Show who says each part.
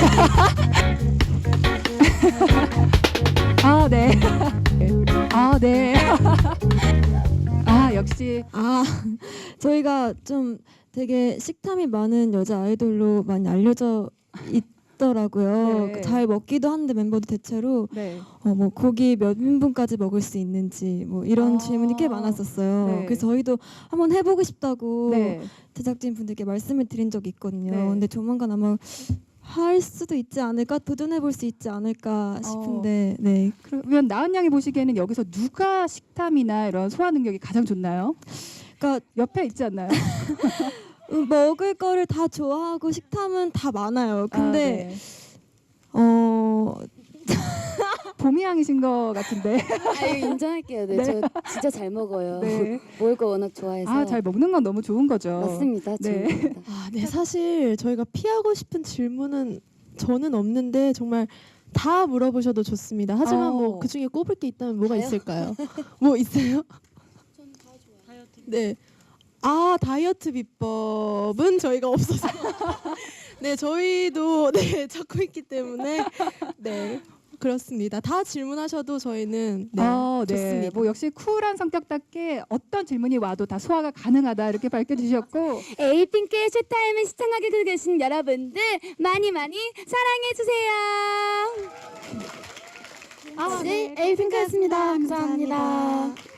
Speaker 1: 아, 네. 아, 네. 아, 역시.
Speaker 2: 저희가 좀 되게 식탐이 많은 여자 아이돌로 많이 알려져 있더라고요.
Speaker 1: 네.
Speaker 2: 잘 먹기도 하는데 멤버들 대체로
Speaker 1: 네.
Speaker 2: 뭐 고기 몇 인분까지 먹을 수 있는지 뭐 이런 질문이 꽤 많았었어요.
Speaker 1: 네.
Speaker 2: 그래서 저희도 한번 해보고 싶다고
Speaker 1: 네.
Speaker 2: 제작진 분들께 말씀을 드린 적이 있거든요.
Speaker 1: 네.
Speaker 2: 근데 조만간 아마 할 수도 있지 않을까, 도전해볼 수 있지 않을까 싶은데, 네.
Speaker 1: 그러면 나은 양이 보시기에는 여기서 누가 식탐이나 이런 소화 능력이 가장 좋나요?
Speaker 2: 그러니까
Speaker 1: 옆에 있지 않나요?
Speaker 2: 먹을 거를 다 좋아하고 식탐은 다 많아요. 근데
Speaker 1: 봄이 양이신 것 같은데.
Speaker 3: 이거 인정할게요. 네,
Speaker 1: 네.
Speaker 3: 저 진짜 잘 먹어요.
Speaker 1: 네.
Speaker 3: 먹을 거 워낙 좋아해서.
Speaker 1: 아, 잘 먹는 건 너무 좋은 거죠.
Speaker 3: 맞습니다.
Speaker 1: 네.
Speaker 3: 좋습니다.
Speaker 4: 네, 사실 저희가 피하고 싶은 질문은 저는 없는데 정말 다 물어보셔도 좋습니다. 하지만 뭐 그 중에 꼽을 게 있다면 뭐가 있을까요? 뭐 있어요? 저는 다 좋아요. 네. 다이어트 비법은 저희가 없어서 네, 저희도 찾고 있기 때문에 네. 그렇습니다. 다 질문하셔도 저희는 네, 좋습니다.
Speaker 1: 뭐 역시 쿨한 성격답게 어떤 질문이 와도 다 소화가 가능하다 이렇게 밝혀주셨고
Speaker 3: 에이핑크의 쇼타임을 시청하게 계신 여러분들 많이 사랑해 주세요.
Speaker 1: 네,
Speaker 3: 에이핑크였습니다. 감사합니다.